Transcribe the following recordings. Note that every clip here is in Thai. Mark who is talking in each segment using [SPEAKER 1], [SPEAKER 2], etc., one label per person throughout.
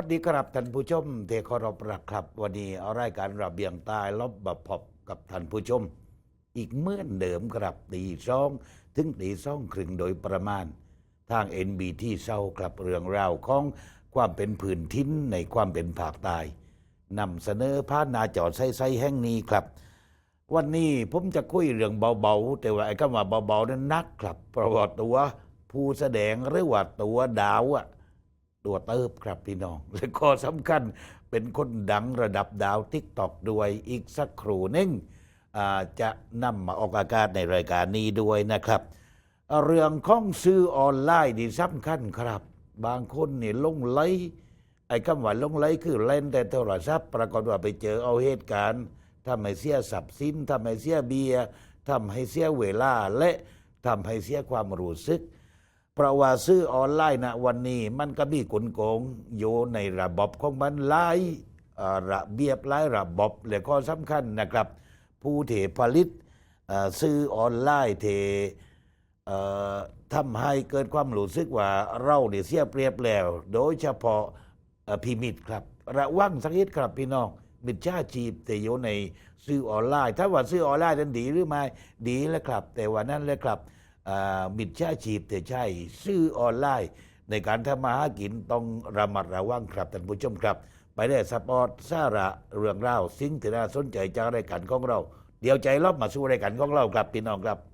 [SPEAKER 1] สดีครับท่านผู้ชมเทคารพรักครับวันนี้เอารายการระเบียงใต้ลบแบบพบกับท่านผู้ชม อีกเหมือนเดิมครับตี 2 ถึงตี 2 ครึ่งโดยประมาณทาง NBT เศร้าครับเรื่องราวของความเป็นพื้นถิ่นในความเป็นภาคใต้นำเสนอผ่านหน้าจอไซแห่งนี้ครับ วันนี้ผมจะคุยเรื่องเบาๆแต่ว่าไอ้คำว่าเบาๆนั้นนักครับเพราะว่าตัวผู้แสดงหรือว่าตัวดาวอะตัวเติบครับพี่น้องและก็สำคัญเป็นคนดังระดับดาวทิกตอกด้วยอีกสักครู่หนึงจะนำมาออกอากาศในรายการนี้ด้วยนะครับเรื่องของซื้อออนไลน์นี่สำคัญครับบางคนนี่ลงไลค์ไอ้คำว่าลงไลค์คือเล่นแต่โทรศัพท์ปรากฏว่าไปเจอเอาเหตุการณ์ทำให้เสียทรัพย์สินทำให้เสียเบียร์ทำให้เสียเวลาและทำให้เสียความรู้สึกเพราะว่าซื้อออนไลน์นะวันนี้มันก็มีกลโกงอยู่ในระบบของมันหลายระเบียบหลายระบบและข้อสำคัญนะครับผู้เทผลิตซื้อออนไลน์เททำให้เกิดความรู้สึกว่าเราเนี่ยเสียเปรียบแล้วโดยเฉพาะพิมิตครับระวังสักนิดครับพี่น้องมิจฉาชีพแต่อยู่ในซื้อออนไลน์ถ้าว่าซื้อออนไลน์นั้นดีหรือไม่ดีแล้วครับแต่ว่านั่นแหละครับมิจฉาชีพแต่ใช่ซื้อออนไลน์ในการทำมาหากินต้องระมัดระวังครับท่านผู้ชมครับไปได้สปอร์ตสาระเรื่องเล่าสิ่งที่น่าสนใจจากรายการของเราเดี๋ยวใจรอบมาสู่รายการของเราครับพี่น้องครับ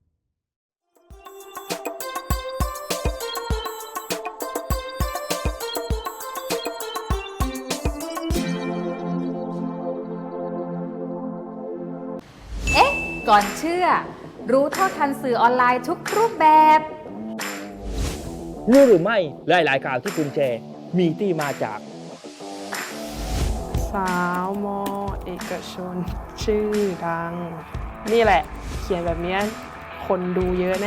[SPEAKER 2] ก่อนเชื่อรู้เท่าทันสื่อออนไลน์ทุกรูปแบบ
[SPEAKER 3] รู้หรือไม่หลายๆข่าวที่คุณแชร์มีที่มาจาก
[SPEAKER 4] สาวมอเอกชน ชื่อดัง นี่แหละ เขียนแบบนี้คนดูเยอะแน่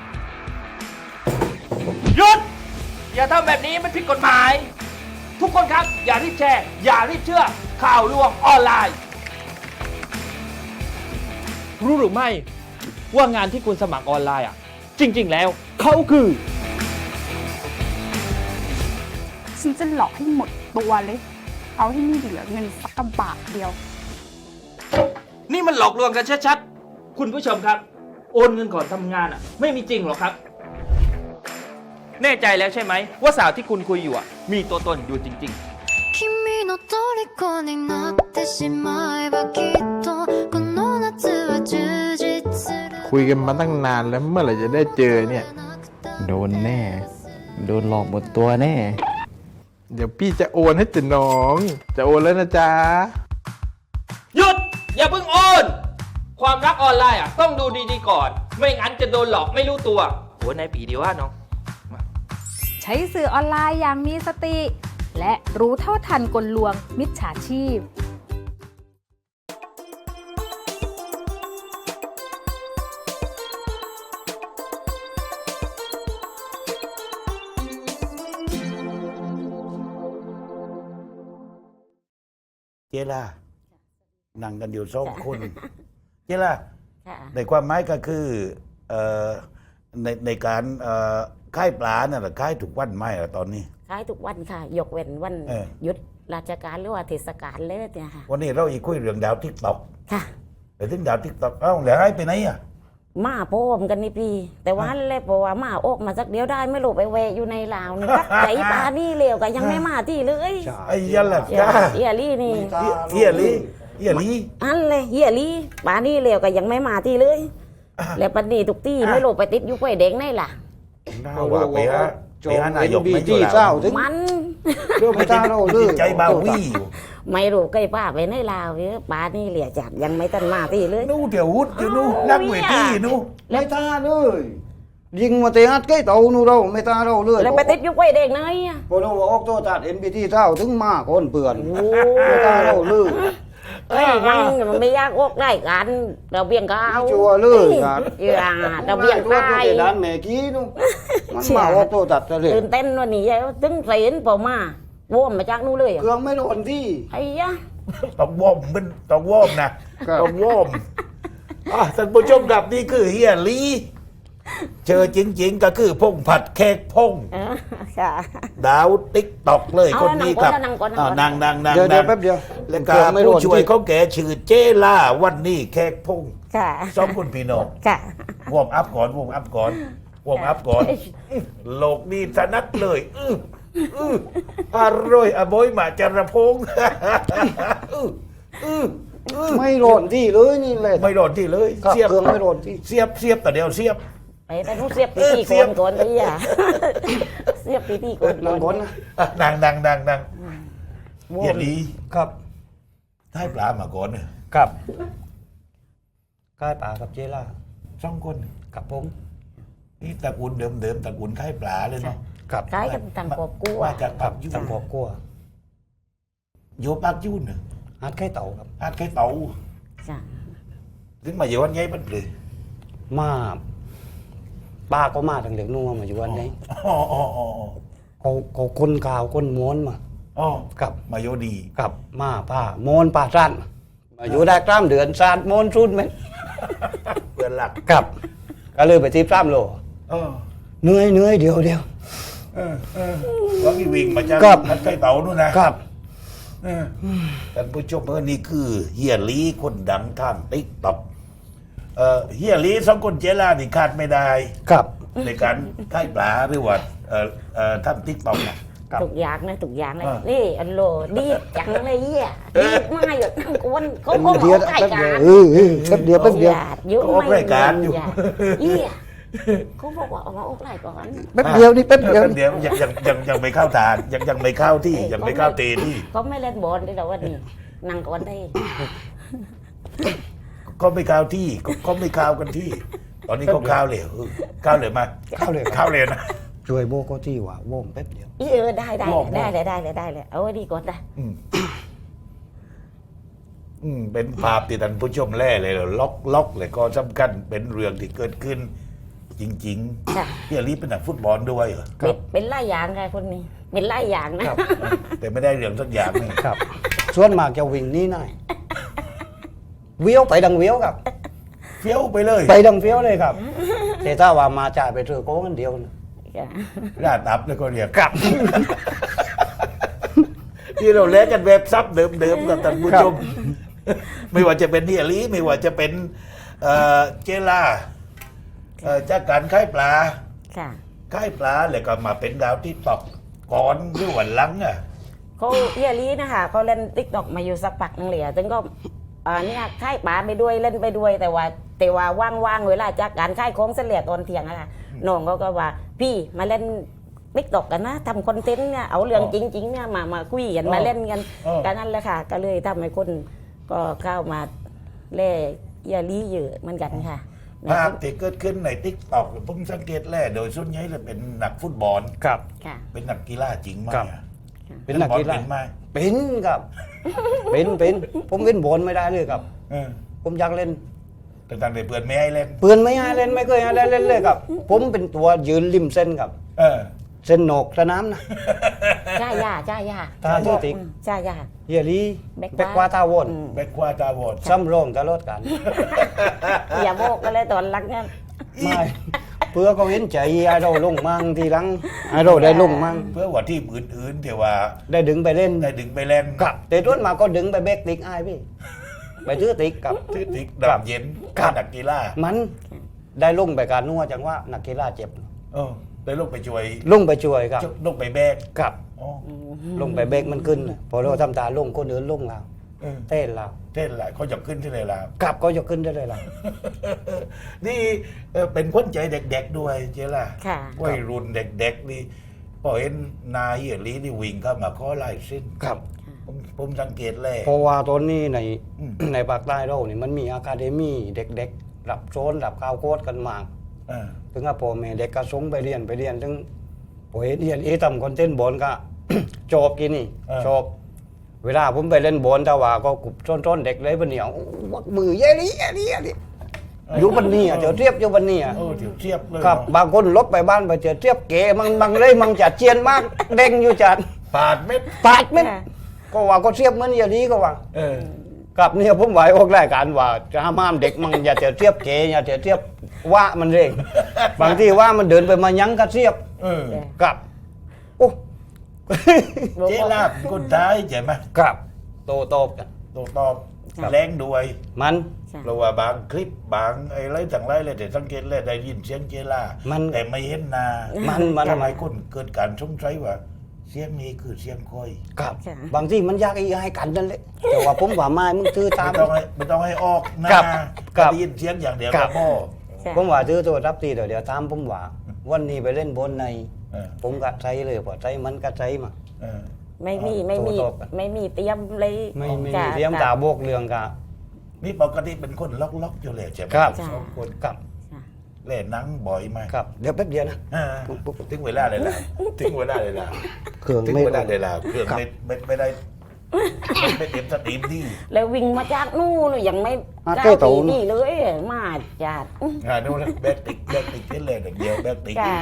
[SPEAKER 3] หยุด อย่าทำแบบนี้มันผิดกฎหมาย ทุกคนครับ อย่ารีบแชร์ อย่ารีบเชื่อข่าวลวงออนไลน์ รู้หรือไม่ว่างานที่คุณสมัครออนไลน์จริง ๆ แล้วเขาคือ
[SPEAKER 5] ฉันจะหลอกให้หมดตัวเลย เอาให้ไม่เหลือเงินสักกระบาทเดียว
[SPEAKER 3] นี่มันหลอกลวงกันชัดๆ คุณผู้ชมครับ โอนเงินก่อนทำงานไม่มีจริงหรอกครับ แน่ใจแล้วใช่ไหมว่าสาวที่คุณคุยอยู่มีตัวตนอยู่จริงๆ
[SPEAKER 6] 君の虜になってしまえばきっとこの夏は充実する
[SPEAKER 7] คุยกันมาตั้งนานแล้วเมื่อไหร่จะได้เจอเนี่ย
[SPEAKER 8] โดนแน่ โดนหลอกหมดตัวแน่
[SPEAKER 7] เดี๋ยวพี่จะโอนให้จ้ะน้อง จะโอนแล้วนะจ๊ะ
[SPEAKER 3] หยุด อย่าเพิ่งโอน ความรักออนไลน์ต้องดูดีๆก่อน ไม่งั้นจะโดนหลอกไม่รู้ตัวโอ้ในปีเดียวน้อง
[SPEAKER 2] ใช้สื่อออนไลน์อย่างมีสติ และรู้เท่าทันกลลวงมิจฉาชีพ
[SPEAKER 1] เจล่านั่งกันอยู่2 คน เจล่า
[SPEAKER 9] ค่ะ
[SPEAKER 1] ในความหมายก็คือในการค่ายปลาเนี่ยค่ายถูกวันไหมตอนนี้
[SPEAKER 9] ขายทุกวันค่ะ ยกเว้นวัน
[SPEAKER 1] เออ
[SPEAKER 9] หยุดราชการหรือว่าเทศกาลเลยเนี่ยค่ะ
[SPEAKER 1] วันนี้เราอีกคุยเรื่องดาวทิกตอก
[SPEAKER 9] ค่ะ
[SPEAKER 1] ไปถึงดาวทิกตอกเอ้าแล้วให้ไปไหนอ่ะ
[SPEAKER 9] มาโพมกันนี่พี่ แต่ว่าเลยบอกว่ามาออกมาสักเดียวได้ไม่รู้ไปแวะอยู่ในลาวนี่ ใจปลานี่เลวก็ยังไม่มาที่เลย
[SPEAKER 1] ไอ้ยันล่ะ
[SPEAKER 9] เฮีย
[SPEAKER 1] จ้า
[SPEAKER 9] เฮียลี่นี่
[SPEAKER 1] เฮียลีเฮียลี
[SPEAKER 9] อันเลยเฮียลี่ปลานี่เลวก็ยังไม่มาที่เลย แล้วปันนี้ทุกที่ไม่รู้ไปติดอยู่ไฟแดงไหนล่ะ
[SPEAKER 1] น่าว่าไปฮะไปหานายกไม่อยู่
[SPEAKER 8] เศร้า
[SPEAKER 1] แล้ว
[SPEAKER 8] ถึง
[SPEAKER 9] มัน
[SPEAKER 8] เรื่องไม่ได้เราเลย
[SPEAKER 1] ใจบาวี่อยู่
[SPEAKER 9] ไม่รู้ใกล้ป้าไปในลาวเนี่ยปลานี่เหลี่ยจัดยังไม่ทันมาที่เลย
[SPEAKER 1] นู่เดี๋ยววุฒิอยู่นู่นักเวทีนู่
[SPEAKER 8] ไม่ตาเลยยิงมาเตะอัดใกล้เต่านูเราไม่ตาเราเลย
[SPEAKER 9] แล้วไปติดอยู่ไฟแดงไหนอะ
[SPEAKER 8] พอเราออกตัวจัด NBT เศร้าถึงมาคนเปื่อน
[SPEAKER 9] โอ้
[SPEAKER 8] ไม่ตาเราเลย
[SPEAKER 9] เอ้ยมันไม่ยากออกได้กันเราเบี่ยงก็เอา
[SPEAKER 8] ชัวร์เลยครับ
[SPEAKER 9] อย่าเราเบี่ยง
[SPEAKER 8] ตัว
[SPEAKER 9] ได้
[SPEAKER 8] เตะด้านแม่กี้นู่มันมาออกตัวจัดเลย
[SPEAKER 9] ตื่นเต้นวันนี้ถึงเสียนเปล่ามาว่มมาจากนู้นเลยอะ
[SPEAKER 8] เครื่องไม่โดนที่
[SPEAKER 9] ไอ้ยะ
[SPEAKER 1] ต้องวอมมันต้องวอมนะต้องวอมท่านผู้ชมครับนี่คือเฮียลีเจอจริง ๆ ก็คือพงผัดเค้กพง
[SPEAKER 9] ค่ะ
[SPEAKER 1] ดาวติ๊กตอกเลย
[SPEAKER 9] เอา
[SPEAKER 1] คนนี้ครับ
[SPEAKER 9] นั่งก่อน
[SPEAKER 1] อ้าวนั่ง
[SPEAKER 8] เดี๋ยวแป๊บเดียว
[SPEAKER 1] แล้วก็
[SPEAKER 8] เครื่องไม่โหล
[SPEAKER 1] ผู้
[SPEAKER 8] ด
[SPEAKER 1] ช่วย
[SPEAKER 8] ที่
[SPEAKER 1] เขาแก่ชื่อเจล่าวันนี้เค้กพง
[SPEAKER 9] ค่ะ
[SPEAKER 1] สองคนพี่น้อง
[SPEAKER 9] ค่ะ
[SPEAKER 1] วอร์มอัพก่อนวอร์มอัพก่อนวอร์มอัพก่อนโลกนี้ถนัดเลยอร่อยอบอยมาจระพง
[SPEAKER 8] ไม่โหลดที่เลยนี่เลย
[SPEAKER 1] ไม่โดนที่เลย
[SPEAKER 8] ครับ
[SPEAKER 1] เสียบ
[SPEAKER 8] เครื่องไม่โหลดที่
[SPEAKER 1] เสียบแต่เดียวเสียบ
[SPEAKER 9] ไปแต่ต้องเสียบปีตี
[SPEAKER 1] เสี
[SPEAKER 9] ก่
[SPEAKER 1] ย
[SPEAKER 9] อบ นก่อนไปอ่ะ เสียบปีตีก่อน
[SPEAKER 8] นั่งก่อนนะ
[SPEAKER 1] นั่งเฮียลี
[SPEAKER 8] ครับ
[SPEAKER 1] ให้ปลามาก่อนเนี่ย
[SPEAKER 8] ครับกายป่ากับเจล่า
[SPEAKER 1] สองคน
[SPEAKER 8] กับผม
[SPEAKER 1] นี่ตระกูลเดิมตระกูลไข่ปลาเลยเนาะ
[SPEAKER 8] กับ
[SPEAKER 9] คล้ายกับตังกบกู้
[SPEAKER 1] ว่า
[SPEAKER 9] อ่ะ
[SPEAKER 1] จากปักยุ่
[SPEAKER 8] ตังบอกกลัว
[SPEAKER 1] โยปักยุ่นเนี่ย
[SPEAKER 8] ฮัดไข่เต่าครับ
[SPEAKER 1] อาจไข่เต่า
[SPEAKER 9] จ้ะ
[SPEAKER 1] ถึงมาอยู่วันไงมันเลย
[SPEAKER 8] มาป้าก็มาทางเหลืองนัวมาอยู่วันนี้
[SPEAKER 1] อ๋อ
[SPEAKER 8] เขาคนข่าวคนม้วนมา
[SPEAKER 1] อ๋อ
[SPEAKER 8] กับ
[SPEAKER 1] มาโยดี
[SPEAKER 8] กับมาป้าโมนป้าสั้นมาอยู่ได้กล้ามเดือนซาดโมนชุดไหม
[SPEAKER 1] เพื่อนหลัก
[SPEAKER 8] กับก็เลยไปที่พร่ำโล
[SPEAKER 1] อ๋อ
[SPEAKER 8] เหนื่อยเดี๋ยว
[SPEAKER 1] ว่ามีวิ่งมาจาก
[SPEAKER 8] ครับ
[SPEAKER 1] ไข่เต่านู่นนะครับ ท่านผู้ชมนี่คือเฮียลีคนดังทางติ๊กต็อกเฮียลีสองคนเจล่านี่ขาดไม่ได้
[SPEAKER 8] กับ
[SPEAKER 1] ในการไข่ปลาหรือว่าทำติ๊กต็อกนะ
[SPEAKER 8] ครับ
[SPEAKER 9] ถูกอย่างนะถูกอย่างเลย
[SPEAKER 1] อ่า
[SPEAKER 9] นี่อันโลดีดจังเลยเยี่ยดีดมาอยู่นั่งกวนเขาก็
[SPEAKER 8] เดี
[SPEAKER 9] บ
[SPEAKER 8] ยว
[SPEAKER 9] อกไก่
[SPEAKER 8] แป๊บ
[SPEAKER 9] กา
[SPEAKER 8] เดียว
[SPEAKER 9] ร
[SPEAKER 8] แป๊บเดียว
[SPEAKER 9] ยุ่ง
[SPEAKER 1] ออก
[SPEAKER 9] ไม่
[SPEAKER 1] รายการอยู่
[SPEAKER 9] เยี่ยเขาบอกว่าออกมาออกรายก่อน
[SPEAKER 8] แป๊บเดียวนี่แป๊บเดียว
[SPEAKER 1] เดี๋ยวยังไม่เข้าทานยังไม่เข้าที่ยังไม่เข้าเตที่
[SPEAKER 9] เขาไม่เล่นบอลด้วยหรอวันนี้นั่งก่อนได้
[SPEAKER 1] ก็ไม่เข้าที่ก็ไม่เข้ากันที่ ตอนนี้เขาเข้าเลยเข้าเลยมา
[SPEAKER 8] เข้าเลย
[SPEAKER 1] เข้าเลยนะ
[SPEAKER 8] ช่วยโบก็ที่ว่าโว่งแป๊บเดียว
[SPEAKER 9] ได้
[SPEAKER 1] บอก
[SPEAKER 9] เลยเอาไว้ดีก่อนนะ
[SPEAKER 1] เป็นภาพที่ท่านผู้ชมแล่เลยเหรอล็อกเลยก็สำคัญเป็นเรื่องที่เกิดขึ้น จริง
[SPEAKER 9] ค่ะ
[SPEAKER 1] ๆพี่อลีเป็นนักฟุตบอลด้วยเหรอ
[SPEAKER 9] เป็นไล่อย่างไงคนนี้ เป็นไล่อย่างนะ
[SPEAKER 1] แต่ไม่ได้เรื่องสักอย่างนี่
[SPEAKER 8] ครับส่วนมากจะวิ่งนี่หน่อยเวี้ยวไปดังเวี้ยวครับ
[SPEAKER 1] เฟี้ยวไปเลย
[SPEAKER 8] ไปดังเฟี้ยวเลยครับแต่ถ้าว่ามาจ่ายไปเจอโก้กันเดียวนะ
[SPEAKER 1] ราดอัพแล้วก็เรียกกลับ ที่เราเล่นกันเว็บซับเดิมๆกับท่านผู้ชม ไม่ว่าจะเป็นพี่อลีไม่ว่าจะเป็นเจล่าจากการค่ายปลา
[SPEAKER 9] ค่ะ
[SPEAKER 1] ค่ายปลาแล้วก็มาเป็นดาวที่ตอกก่อนหรือวันหลังอ่ะ
[SPEAKER 9] เขาเอียลีนะคะเขาเล่นติ๊กต็อกมาอยู่สักพักนึงเลยถึงก็เนี่ยค่ายป๋าไปด้วยเล่นไปด้วยแต่ว่าว่างๆเวลาจากการค่ายโค้งเสลี่ยตอนเที่ยงอะค่ะน้องเขาก็ว่าพี่มาเล่นติ๊กต็อกกันนะทำคอนเทนต์เนี่ยเอาเรื่องจริงๆเนี่ยมาคุยกันมาเล่นกันกันนั่นแหละค่ะ ก็เลยทำให้คนก็เข้ามาเล่เอียลีเยอะเหมือนกันค่ะ
[SPEAKER 1] ภาพที่เกิดขึ้นในทิกตอกผมสังเกตแล่โดยส่วนใหญ่เลยเป็นนักฟุตบอล
[SPEAKER 8] ครับ
[SPEAKER 9] ค่ะ
[SPEAKER 1] เป็นนักกีฬาจริงไหม
[SPEAKER 8] ครับ
[SPEAKER 1] อะ
[SPEAKER 8] เป็นนักกีฬา
[SPEAKER 1] เป็นไหม
[SPEAKER 8] เป็นครับ เป็นผมเล่นบอลไม่ได้เลยครับ
[SPEAKER 1] เออ
[SPEAKER 8] ผมอยากเล่น
[SPEAKER 1] แต่ต่างแต่เพื่อนไม่ให้เล่น
[SPEAKER 8] เปือนไม่ให้เล่นไม่เคยให้เล่นเลยครับ ผมเป็นตัวยืนริมเส้นครับ
[SPEAKER 1] เออ
[SPEAKER 8] เส้นโหนกสนามนะ
[SPEAKER 9] จ้าย่า
[SPEAKER 8] ตาชื่อติ๊ก
[SPEAKER 9] จ้าย่า
[SPEAKER 8] เฮียลี
[SPEAKER 9] แบ็
[SPEAKER 8] แบ็
[SPEAKER 9] ค
[SPEAKER 8] ก
[SPEAKER 9] ขวา
[SPEAKER 8] ว่าท่าวน
[SPEAKER 1] แบ็คควาตาบอด
[SPEAKER 8] ซ้ำรองตลอดกัน
[SPEAKER 9] อย่าโบกกันเลยตอนหลังเนี่ย
[SPEAKER 8] ไม่เพื่อเขาเห็นใจไอ้เราลงมั่งทีหลังไอ้เราได้ลงมั่ง
[SPEAKER 1] เพื่อว่าที่อื่นๆที่ว่า
[SPEAKER 8] ได้ดึงไปเล่น
[SPEAKER 1] ได้ดึงไปเล่น
[SPEAKER 8] กับแต่ต้นมาก็ดึงไปเบกติ๊กไอ้พี่ไปซื้อติ๊กกับ
[SPEAKER 1] ที่ติ๊ก
[SPEAKER 8] ครับ
[SPEAKER 1] ดำเย็น
[SPEAKER 8] ครับ
[SPEAKER 1] นักกีฬา
[SPEAKER 8] มันได้ลงไปการนัวจังว่านักกีฬาเจ็บ
[SPEAKER 1] เออได้ลงไปช่วย
[SPEAKER 8] ลงไปช่วยครับ
[SPEAKER 1] ลงไปแบก
[SPEAKER 8] กับ
[SPEAKER 1] อ๋อ
[SPEAKER 8] ลงไปเบรกมันขึ้นน่ะพอเราทำตาลงคนอื่นลงเรา
[SPEAKER 1] เออ
[SPEAKER 8] เต้นเรา
[SPEAKER 1] เท่นหลายเขาจะขึ้นที่ไหนล่ะ
[SPEAKER 8] กลับก็ยกขึ้นได้เลยเรา
[SPEAKER 1] นี่เป็นคนใจเด็กๆด้วยเจล่ะ
[SPEAKER 9] ค่ะ
[SPEAKER 1] วัยรุ่นเด็กๆนี่พอเห็นนายเฮียลีนี่วิ่งเข้ามาขอลายเส้น
[SPEAKER 8] ครับ
[SPEAKER 1] ผมสังเกตเลย
[SPEAKER 8] เพราะว่าตอนนี้ใน
[SPEAKER 1] อืม
[SPEAKER 8] ในภาคใต้เรานี่มันมีอะคาเดมี่เด็กๆรับโซนรับข้าวโคตรกันมาก
[SPEAKER 1] เออ
[SPEAKER 8] ถึงกับพ่อแม่เด็กก็ส่งไปเรียนถึงพอเห็นเรียนทำคอนเทนต์บอลก็ จบกินนี่จบเวลาผมไปเล่นบอลแต่ว่าก็กลุ่มต้นๆเด็กเลยวันเหนียววักมือเย่นี่อยู่วันนี้เจอเทียบอยู่วันนี้
[SPEAKER 1] เออเดี๋ยวเทียบเลย
[SPEAKER 8] ครับ
[SPEAKER 1] เนอะ
[SPEAKER 8] บางคนลบไปบ้านไปเจอเทียบเก๋มังเลยมังจัดเจียนมากเด้งอยู่จัด
[SPEAKER 1] ปาดเม็ด
[SPEAKER 8] ปาดเม็ดก็ว่าก็เทียบเหมือนอย่างนี้ก็ว่า
[SPEAKER 1] เออ
[SPEAKER 8] กับเนี่ยผมไหวออกรายการว่าจะห้ามเด็กมังอย่าเจอเทียบเก๋อย่าเจอเทียบว่ามันเร่ง บางทีว่ามันเดินไปมายั้งกระเสียบ กับ โอ้
[SPEAKER 1] เจ๊ลาบคนท้ายใช่ไหม
[SPEAKER 8] กับโตตบกัน
[SPEAKER 1] ตัวตอบแรงด้วย
[SPEAKER 8] มัน
[SPEAKER 1] เพราะว่าบางคลิปบางไอ้ไรต่างไรเลยแต่สังเกตเลยได้ยินเสียงเจล่า
[SPEAKER 8] มัน
[SPEAKER 1] แต่ไม่เห็นหนา
[SPEAKER 8] มัน
[SPEAKER 1] ทำไมคนเกิดการสงสัยว่า เสียงนี้คือเสียงคอย
[SPEAKER 8] กับบางทีมันยากอีให้กันนั่นแหละแต่ว่าผมว่าไม่มึงถือตาม
[SPEAKER 1] ไม่ต้องให้ออกหน้า
[SPEAKER 8] ครับครับ
[SPEAKER 1] ได้ยินเสียงอย่างเดียว
[SPEAKER 8] ครั
[SPEAKER 1] กับ พ่อ
[SPEAKER 8] ผมว่าถือตัวรับตีเดี๋ยวตามผมว่า วันนี้ไปเล่นบนใน
[SPEAKER 1] เออ
[SPEAKER 8] ผมก็ใจเลยพอใจมันก็ใจมา
[SPEAKER 1] เออ
[SPEAKER 9] ไม่มี
[SPEAKER 8] โตตบกัน
[SPEAKER 9] ไม่มีเตรียมเลย
[SPEAKER 8] ไม่มี
[SPEAKER 9] จ้ะ
[SPEAKER 8] เตรียมตาโบกเรื่องกะ
[SPEAKER 1] นี่ปกติเป็นคนล็อกอยู่เลยใช่ไหม
[SPEAKER 8] ครับ
[SPEAKER 1] สองคน
[SPEAKER 8] กับ
[SPEAKER 1] เล่นหนังบ่อยไหม
[SPEAKER 8] กับเดี๋ยวแป๊บเดียวนะ
[SPEAKER 1] อ่าถึงเวลาเลยล่ะถึงเวลาเลยล่ะ
[SPEAKER 8] เครื่อง
[SPEAKER 1] ถึง
[SPEAKER 8] ไม่
[SPEAKER 1] เวลาเลยล่ะเครื่อง
[SPEAKER 8] ครับ
[SPEAKER 1] ไม่ได้ไม่เต็มสตรีมที่
[SPEAKER 9] แล้ววิ่งมาจากนู่นยังไม่
[SPEAKER 8] อ่ะ
[SPEAKER 9] ก้า
[SPEAKER 8] เจ้าโต
[SPEAKER 9] ปีนี่เลยมาจัด
[SPEAKER 1] ดูนะแบกติกเป็นเลยอย่างเดียวแบกติก
[SPEAKER 9] จ้ะ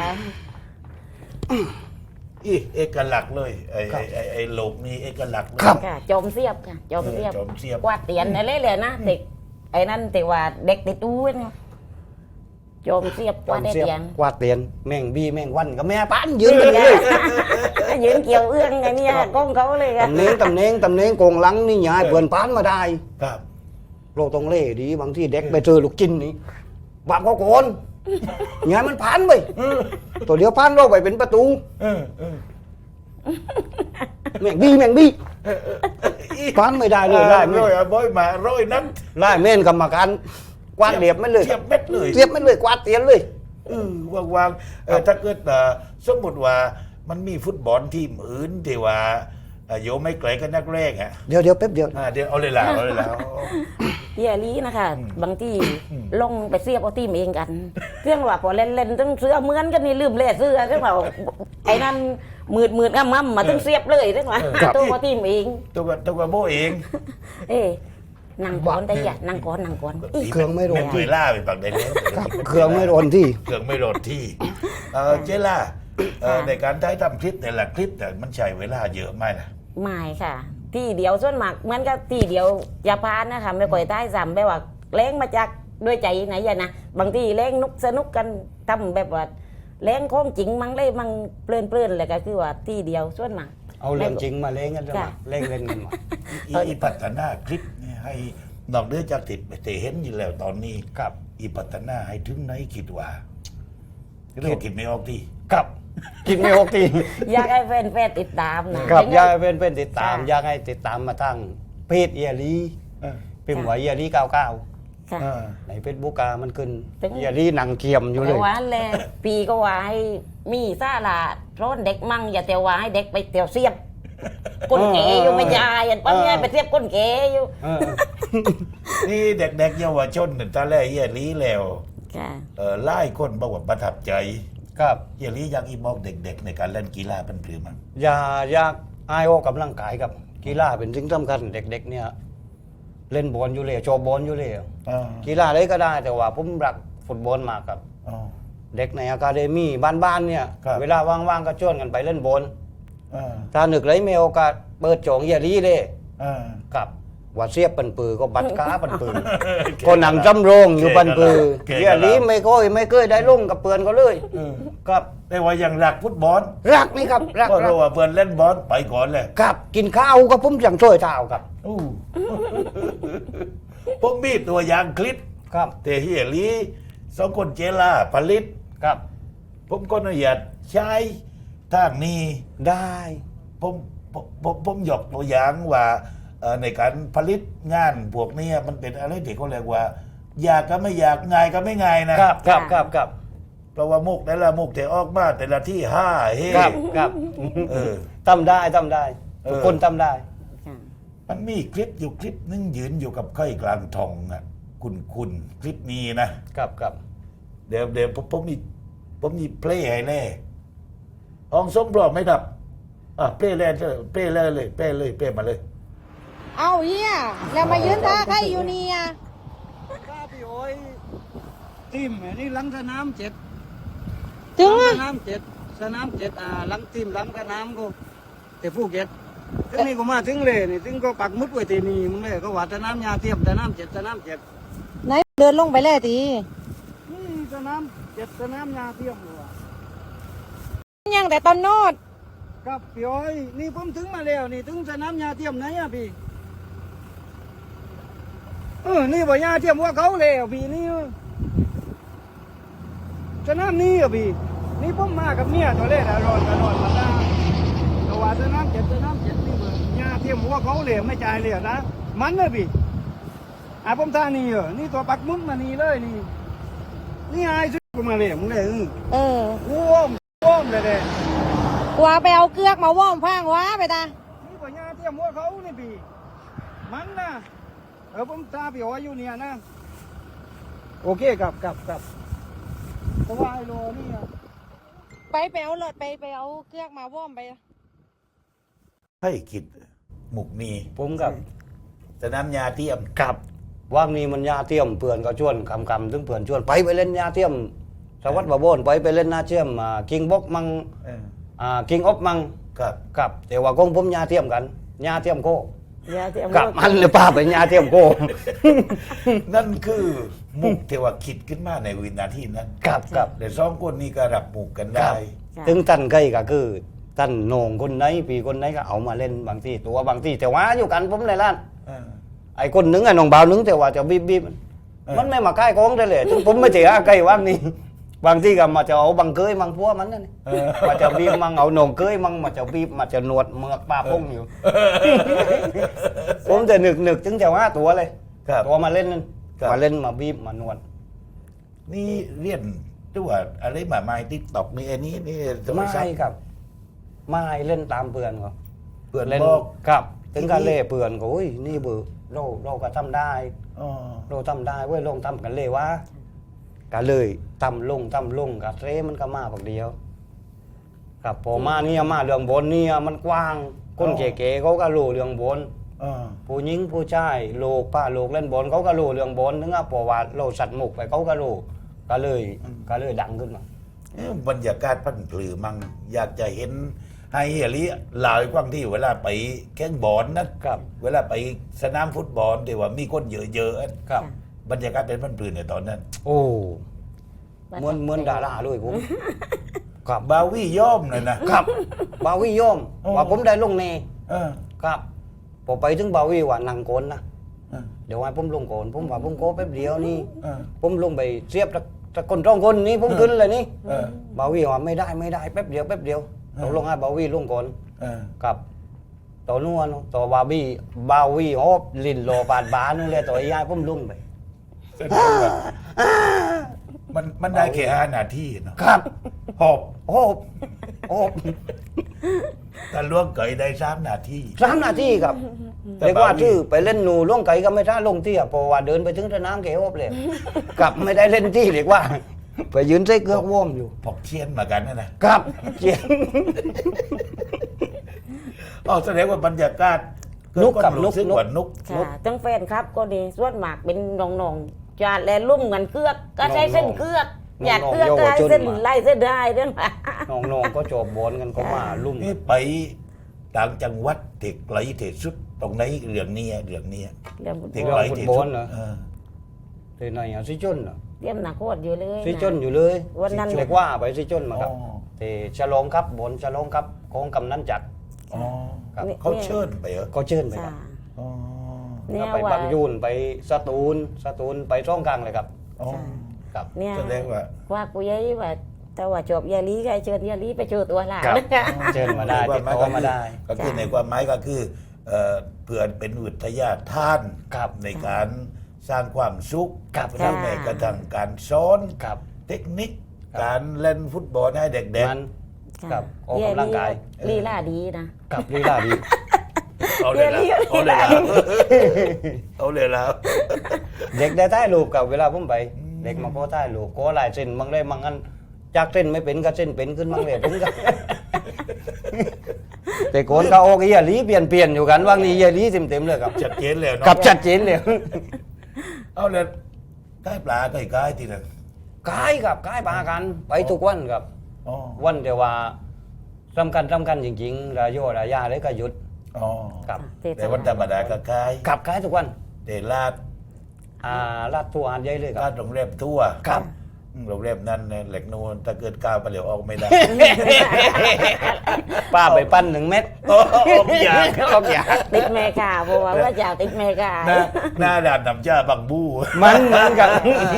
[SPEAKER 1] อีเอกลักษณ์เลยไอ้โลกนี้เอกลักษณ์เลย
[SPEAKER 9] ค่ะจอมเสียบค่ะจอมเสียบ
[SPEAKER 1] จอมเสียบ
[SPEAKER 9] กวาดเตียนอะไรเลยนะเด็กไอ้นั่นแต่ว่าเด็กติดตู้เนี่ยจอมเสียบกวาดได้เตียน
[SPEAKER 8] กวาดเตียนแม่งบีแม่งวันกับแม่ป้านยืนกันเลย
[SPEAKER 9] ยืนเกี่ยวเอื้องไงเนี่ยก้องเขาเลยค่ะ
[SPEAKER 8] ตำเนงโกงหลังนี่ยายเปินป้านมาได้
[SPEAKER 1] ครับ
[SPEAKER 8] โลกตรงเล่ดีบางที่เด็กไปเจอลูกจินนี่บาปเขาโกนยายมันผ่านไปตัวเดียวผ่านโลกไปเป็นประตู
[SPEAKER 1] เออ
[SPEAKER 8] แม่งบีผ่านไม่ได้เลยไล่
[SPEAKER 1] ร้อยอ่ะบ่อยมาร้อยนั้น
[SPEAKER 8] ไล่เม่นกรรมการกวาดเรียบไม่เลย
[SPEAKER 1] เทียบเม็ดเลย
[SPEAKER 8] เทียบไม่เลยกวาดเตียนเลย
[SPEAKER 1] วางถ้าเกิดสมมติว่ามันมีฟุตบอลทีมอื่นที่ว่าโยไม่ไกลกันนักแรกอ่ะ
[SPEAKER 8] เดี๋ยวแป๊บเดียว
[SPEAKER 1] เดี๋ยวเอาเลยล่ะเอาเลยล่ะ
[SPEAKER 9] เฮียลีนะคะบางที่ลงไปเสียบเอาทีมเองกันเครื่องว่าพอเล่นต้องเสื้อเหมือนกันนี่ลืมเล่เสื้อเครื่องว่าไอ้นั่นมืดง่ำมาต้องเสียบเลยเครื่องว่าตัวเอาทีมเอง
[SPEAKER 1] ตัวโบเอง
[SPEAKER 9] เอ้นั่งก่อนได้ยังนั่งก่อน
[SPEAKER 8] เครื่องไม่โดน
[SPEAKER 1] ไม่เคยล่าไปปักได้แล้ว
[SPEAKER 8] เครื่องไม่โดนที่
[SPEAKER 1] เครื่องไม่โดนที่เจล่าในการถ่ายทำคลิปแต่ละคลิปแต่มันใช้เวลาเยอะไหมล่ะ
[SPEAKER 9] ไม่ค่ะ ที่เดียวส่วนมากมันก็ที่เดียวอย่าพานนะคะไม่ค่อยได้ซ้ำแบบว่าเล้งมาจากด้วยใจไหนอย่านะบางทีเล้งนุกสนุกกันทำแบบว่าเล้งของจริงมั้งเลยมั้งเพลินเลยก็คือว่าที่เดียวส่วนมาก
[SPEAKER 8] เอาเรื่องจริงมาเล่นกันเลยเล่นกันมา
[SPEAKER 1] อีพัฒนาคลิปเนี่ยให้นอกเหนือจากติดแต่เห็นอยู่แล้วตอนนี้
[SPEAKER 8] ครับ
[SPEAKER 1] อีพัฒนาให้ถึงไหนคิดว่าเรื่องคิดไม่ออกที่
[SPEAKER 8] ครับกินไม่หกที
[SPEAKER 9] อยากให้แฟนๆติดตามนะครับ
[SPEAKER 8] อยากให้เป็นติดตามอยากให้ติดตามมาทั้งเพจเอียรีพิมพ์ว่าเอียรี99
[SPEAKER 9] ค่ะ
[SPEAKER 8] ในเฟซบุ๊กมันขึ้น
[SPEAKER 9] ถึง
[SPEAKER 8] เอียรีหนังเกียมอยู่เล
[SPEAKER 9] แต่
[SPEAKER 8] ย
[SPEAKER 9] ว่าแลปีก็ว่าให้มีซาลาร้อนเด็กมั่งอย่าแต่ว่าให้เด็กไปเตียวเสียบก้นเก๋อยู่ไม่ยายอันปั้นไงไปเสียบก้นเก๋อยู่
[SPEAKER 1] นี่เด็กๆเยาวชนตอนแรกเฮียลีแล้ว
[SPEAKER 9] ค่ะ
[SPEAKER 1] ไล่คนบอกว่าประทับใจ
[SPEAKER 8] ครับ
[SPEAKER 1] เฮียลีอยากอีบอกเด็กๆ ในการเล่นกีฬาเป็นหรือมั้ง
[SPEAKER 8] อยากอายออกกำลังกายครับกีฬาเป็นสิ่งสำคัญเด็กๆเนี่ยเล่นบอลอยู่เลยโชว์บอลอยู่เลยกีฬาอะไรก็ได้แต่ว่าผมรักฟุตบอลมากครับ เด็กในอะคาเดมี่บ้านๆเนี่ย
[SPEAKER 1] ครับ
[SPEAKER 8] เวลาว่างๆก็ชวนกันไปเล่นบอล
[SPEAKER 1] อ่า
[SPEAKER 8] ถ้านึกเลยมีโอกาสเปิดโจงเฮียรีเลย
[SPEAKER 1] อ่า
[SPEAKER 8] กับว่าเสียบปันปือก็บัดก้าปันปือ ก็หนังจำโรงอยู่ปันปือ
[SPEAKER 1] เก่ง
[SPEAKER 8] เฮียรีไม่เคยได้ลงกับเปือนก็เลยครับ
[SPEAKER 1] แต่ว่ายังรักฟุตบอล
[SPEAKER 8] รักนี่ครับรัก
[SPEAKER 1] ก็รู้ว่าเพื่อนเล่นบอลไปก่อนเลย
[SPEAKER 8] ครับกินข้าวก็ผมอย่างช่วยเท้าครับ
[SPEAKER 1] อู้ ผมมีตัวอย่างคลิป
[SPEAKER 8] ครับ
[SPEAKER 1] แต่เฮียลีสองคนเจล่าผลิต
[SPEAKER 8] ครับ
[SPEAKER 1] ผมก็อนุญาตใช้ทางนี้
[SPEAKER 8] ได้
[SPEAKER 1] ผมยกตัวอย่างว่าในการผลิตงานพวกนี้มันเป็นอะไรที่เขาเรียกว่า อยากก็ไม่อยากง่ายก็ไม่ง่ายนะครับ
[SPEAKER 8] ครับ
[SPEAKER 1] เพราะว่ามุกแต่ละมุกแต่ออกมาแต่ละที่ห้าเฮ้
[SPEAKER 8] ครับ
[SPEAKER 1] เออ
[SPEAKER 8] ทำได้ทุกคนทำได้
[SPEAKER 1] มันมีคลิปอยู่คลิปนึงยืนอยู่กับไข่กลางทองอ่ะคุณคลิปนี้นะครับ เดี๋ยวผมมีเพลย์ให้แน่ห้องสมบรอมไหมครับเพลย์เลยเพลย์มาเลย
[SPEAKER 10] เอาเฮียแล้วมายืนท่าใครอยู่เนี่ย
[SPEAKER 8] ข้าพี่โอ้ยทีมนี่หลังสนาม7
[SPEAKER 10] ถึง
[SPEAKER 8] ส
[SPEAKER 10] อะ
[SPEAKER 8] นาม7หลังทีมหลังสนามก็แต่ภูเก็ตถึงนี่ก็มาถึงเลยนี่ถึงก็ปักมุดไว้ที่นี่มึงเลยก็ว่าสนามยาเทียมสนาม7
[SPEAKER 10] ไหนเดินลงไปเลยที
[SPEAKER 8] นี่สน้ำเจ็ดสนามยาเทียมหัว
[SPEAKER 10] ยังแต่ตอนโนด
[SPEAKER 8] กับพี่อ้อยนี่ผมถึงมาแล้วนี่ถึงสนามยาเทียมไหนอะพี่นี่บ่ยาเทียมว่าเขาแล้วพี่นี่สนามนี้อะพี่นี่ผมมากับเมียตัวเล่นร้อนมาได้แต่ว่าสนามเจ็ดนี่เบ่ยาเทียมว่าเขาแล้วไม่จ่ายเลยนะมันเลยพี่ผมท่านี่นี่ตัวปักมุ้งมานี่เลยนี่ไอ้สุดมาเลยมึงเลยว่อมเลย
[SPEAKER 10] กว่าไปเอาเกือกมาว่อมพางว้าไปตา
[SPEAKER 8] นี่ปัญญาเทียมว่าเขานี่พี่มันนะผมตาพี่อ้อยอยู่เนี่ยนะโอเคกับเพราะว่าไอ้โลนี่
[SPEAKER 10] ไปเอารถไปเอาเกือกมาว่อมไป
[SPEAKER 1] ให้คิดหมุกนี้
[SPEAKER 8] ผมกับ
[SPEAKER 1] สนามยาเทียม
[SPEAKER 8] กับว่างนี้มันยาเทียมเพื่อนก็ชวนคำถึงเพื่อนชวนไปเล่นยาเทียมสวัสดิ์บะโบนไปเล่นนาเทียมคิงบ็อกมังคิงออฟมัง
[SPEAKER 1] ครับ
[SPEAKER 8] กับแต่ว่าของผมยาเทียมกันยาเทียมโค
[SPEAKER 9] ยาเทียม
[SPEAKER 8] กับมันเลยป้าไปยาเทียมโค
[SPEAKER 1] นั่นคือมุกที่ว่าคิดขึ้นมาในวินาทีนั้น
[SPEAKER 8] กับ
[SPEAKER 1] แต่สองคนนี้ก็รับมุกกันได้
[SPEAKER 8] ถึงตันใกล้ก็คือตันโหนงคนไหนปีคนไหนก็เอามาเล่นบางทีตัวบางทีแต่ว่าอยู่กันผมในร้าน ไอ้คนหนึ่งไอ้น้องบ่าวหนึ่งแต่ว่าจะบีบมันไม่มาใกล้กองได้เลยถึงผมไม่เจอใกล้ว่างนี่บางทีก็มาจะเอาบังเกยมังพัวมันนั่นมาจะบีบมังเอาหนองเกยมังมาจะบีบมาจะนวดเมือกป้าพงอยู่ ผมจะนึกถึงจะว่าตัวเลย
[SPEAKER 1] ครับ
[SPEAKER 8] ตัวมาเล่นนั่น
[SPEAKER 1] ครับ
[SPEAKER 8] มาเล่นมาบีบมานวด
[SPEAKER 1] นี่เรียนตัวอะไรมาไม้ติ๊กตอกนี่อันนี้นี่โทร
[SPEAKER 8] ไม่
[SPEAKER 1] ศัพท์
[SPEAKER 8] ครับไม่เล่นตามเพื่อนเขา
[SPEAKER 1] เพื่อน
[SPEAKER 8] เล่น
[SPEAKER 1] บอก
[SPEAKER 8] ครับถึงการเล่เพื่อนก็อุ้ยนี่เบอร์เราก็ทำได้
[SPEAKER 1] อ๋อ
[SPEAKER 8] เราทำได้เว้ยลองทำกันเลยว่าก็เลยทำลงกับเรมันก็มาบักเดียวครับพอมาเนี่ยมาเรื่องบนเนี่ยมันกว้างคนเก๋ๆเขาก็รู้เรื่องบน
[SPEAKER 1] อ๋อ
[SPEAKER 8] ผู้หญิงผู้ชายโลกป้าโลกเล่นบอลเขาก็รู้เรื่องบอลนึกว่าพอว่าเราสัตว์หมกไปเขาก็รู้ก็เลยดังขึ้นมา
[SPEAKER 1] บรรยากาศพันผือมังอยากจะเห็นให้เฮลิหลายกว้างที่เวลาไปแข่งบอลนะครับ เวลาไปสนามฟุตบอลที่ว่ามีคนเยอะๆ
[SPEAKER 8] ครับ
[SPEAKER 1] บรรยากาศเป็นพันผือในตอนนั้น
[SPEAKER 8] โอ้เหมือนดาราเลยผมครับ
[SPEAKER 1] บาวี่ย่อมเลยนะครับ
[SPEAKER 8] บาวีโยม
[SPEAKER 1] โอ้
[SPEAKER 8] ว่าผมได้ลงเน
[SPEAKER 1] เออ
[SPEAKER 8] ครับพอไปถึงบาวีว่านั่งโกนนะ
[SPEAKER 1] เออ
[SPEAKER 8] เดี๋ยวให้ผมลงโกนผมว่าผมโกนแป๊บเดียวนี่
[SPEAKER 1] เออ
[SPEAKER 8] ผมลงไปเสียบตะคนจ้องคนนี้ผมขึ้นเลยนี่
[SPEAKER 1] เออ
[SPEAKER 8] บาวีว่าไม่ได้แป๊บเดียวตกลงให้บาวีลงก่อน
[SPEAKER 1] เออ
[SPEAKER 8] กับต่อนัวเนาะต่อบาวีฮอบลินโลปาดบานู่นเลยต่อยายผมลงไป
[SPEAKER 1] แสดงว่ามันได้แค่5 นาทีเนาะ
[SPEAKER 8] ครับ
[SPEAKER 1] หอบ
[SPEAKER 8] โอ้
[SPEAKER 1] แต่ล่วงเกยได้3 นาที
[SPEAKER 8] 3 นาทีครับ
[SPEAKER 1] แต่
[SPEAKER 8] เรียกว่า
[SPEAKER 1] บาวี
[SPEAKER 8] ชื่อไปเล่นหนูล่วงไก่ก็ไม่ท่าลงที่อ่ะเพราะว่าเดินไปถึงสนามเกฮอบเลยกลับไม่ได้เล่นที่เรียกว่า ไปยืนใส่เกือกว่อมอยู่
[SPEAKER 1] พอกเชียนมากันนะครับ
[SPEAKER 8] เจียน
[SPEAKER 1] อ๋อแสดงว่าบรรยากาศ
[SPEAKER 8] นุกกับ
[SPEAKER 1] เกิดความรู้สึ
[SPEAKER 8] นุก
[SPEAKER 1] ว่านุก
[SPEAKER 9] ค่ะทั้งแฟนครับก็ดีส่วนมากเป็นน้องๆจาดและลุ่มกันเกือกก็ใช้เส้นเกือกอยากเกือกก็ให้เส้นไล่เส้นได้เรื่องมา
[SPEAKER 8] น้องๆก็จบบอลกันก็มาลุ่ม
[SPEAKER 1] นี่ไปต่างจังหวัดเด็กไกลเทสุดตรงไหนเรื่องนี้
[SPEAKER 9] เรื่อง
[SPEAKER 1] เด็กไกลเทสุด
[SPEAKER 8] ที่ไหนอ่ะซิจนอ่ะ
[SPEAKER 9] เตรียมหนักโคตรอยู่เลยะ
[SPEAKER 8] ซิจนอยู่เลย
[SPEAKER 9] วันนั้น
[SPEAKER 8] เรียกว่าไปซิจนมาครับ
[SPEAKER 1] อ๋อ
[SPEAKER 8] ที่ฉลองครับบนฉลองครับของกำนันจัด
[SPEAKER 1] อ๋อ
[SPEAKER 8] ครับ
[SPEAKER 1] เขาเชิญไปเหรอ
[SPEAKER 8] ก็เชิญไปค
[SPEAKER 9] ค่ะ
[SPEAKER 8] รับ
[SPEAKER 1] อ๋อ
[SPEAKER 9] เนี่
[SPEAKER 8] ก็
[SPEAKER 9] ย
[SPEAKER 8] ไป
[SPEAKER 9] ว่า
[SPEAKER 8] บางยูนไปสตูลไปช่องกลางเลยครับ
[SPEAKER 1] อ๋อ
[SPEAKER 8] ครับ
[SPEAKER 9] เนี่ย
[SPEAKER 1] แสดงว่า
[SPEAKER 9] ว่ากูยัยว่าแต่ว่าจบยาลีก็ให้เชิญยาลีไปโชว์ตัวหลาน
[SPEAKER 8] ครับ
[SPEAKER 9] นะคะ
[SPEAKER 8] เชิญมาได้ติดต่อมาได้
[SPEAKER 1] ก็คือในความหมายก็คือเพื่อเป็นวิทยาทาน
[SPEAKER 8] ครับ
[SPEAKER 1] ในการสร้างความสุข
[SPEAKER 8] ครับ
[SPEAKER 1] ทั้งแม้กระทั่งการสอน
[SPEAKER 8] ครับ
[SPEAKER 1] เทคนิค
[SPEAKER 8] ครับ
[SPEAKER 1] การเล่นฟุตบอลให้เด็ก
[SPEAKER 8] มันครับออกกำลังกาย
[SPEAKER 9] ลีลาดีนะ
[SPEAKER 8] กับลีลาดี
[SPEAKER 1] ๆเอาเลยละเอาเลยละเอาเลยละ
[SPEAKER 8] เด็กได้ใต้รูปกับเวลาผมไป เด็กมาโก้ใต้รูปโก้หลายเส้นบางเลยบางอันจากเส้นไม่เป็นก็เส้นเป็นขึ้นบางเลยผมก็ แต่โกนก็โอเคอย่าลีเปลี่ยนอยู่กันว่างนี้อย่าลีเต็มเลยครับ
[SPEAKER 1] ชัดเจนเลยเนาะ
[SPEAKER 8] กับชัดเจนเลย
[SPEAKER 1] เอาเลยใกล้ปลาใกล้ๆทีนั้น
[SPEAKER 8] กายกับกายปากันไปทุกวันครับ
[SPEAKER 1] อ๋อ
[SPEAKER 8] วันเดียวว่าสำคัญจริงๆรายโยรายาเลยก็หยุด
[SPEAKER 1] อ๋อ
[SPEAKER 8] กับ
[SPEAKER 1] แต่วันธรรมดาก็คล้าย
[SPEAKER 8] กับกายทุกวัน
[SPEAKER 1] เดลาด
[SPEAKER 8] ลาดทัวร์อันใหญ่เลยค
[SPEAKER 1] ลา
[SPEAKER 8] รั
[SPEAKER 1] ด
[SPEAKER 8] บ
[SPEAKER 1] โรงแรมทั่ว
[SPEAKER 8] ครับ
[SPEAKER 1] โรงแรมนั้นเนี่ยเหล็กนูนถ้าเกิดก้าวไปเหลวออกไม่ได้
[SPEAKER 8] ป้าไปปั้น1 เม็ด
[SPEAKER 1] ออกอยากออกอยาก
[SPEAKER 9] ติดเมกาเพราะว่าจะติดเมกา
[SPEAKER 1] หน้าด่านน้ำจ้าบังบู้
[SPEAKER 8] มันเหมือนกัน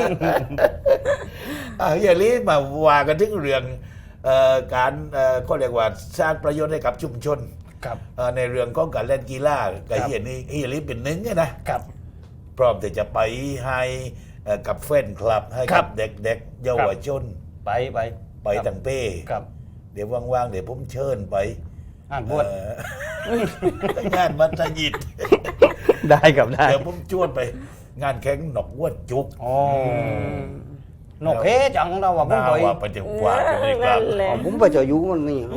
[SPEAKER 1] อย่าลีมาว่ากันถึงเรื่องการก็เรียกว่าสร้างประโยชน์ให้กับชุมชน
[SPEAKER 8] ครับ
[SPEAKER 1] ในเรื่องของการเล่นกีฬากับเฮียนี่เฮียลีเป็นหนึ่งนะครับ พร้อมที่จะไปให้กับแฟนคลับให้
[SPEAKER 8] ครั
[SPEAKER 1] กับบ เด็กๆเยาวชน
[SPEAKER 8] ไป
[SPEAKER 1] ไปตั้งเป้
[SPEAKER 8] ครับ
[SPEAKER 1] เดี๋ยวว่างๆเดี๋ยวผมเชิญไป
[SPEAKER 8] อ่านบวช
[SPEAKER 1] งานมัสยิด
[SPEAKER 8] ได้ครับได้
[SPEAKER 1] เดี๋ยวผมชวนไป งานแข่งหนอกวัวจุก
[SPEAKER 8] อ๋อนกเฮจังเราว่าผม
[SPEAKER 1] น่า
[SPEAKER 8] ไป
[SPEAKER 1] ว่าไปเดี๋ยวกว่าจะไม่กลับ
[SPEAKER 8] ผมไปเจออยู่มันนี่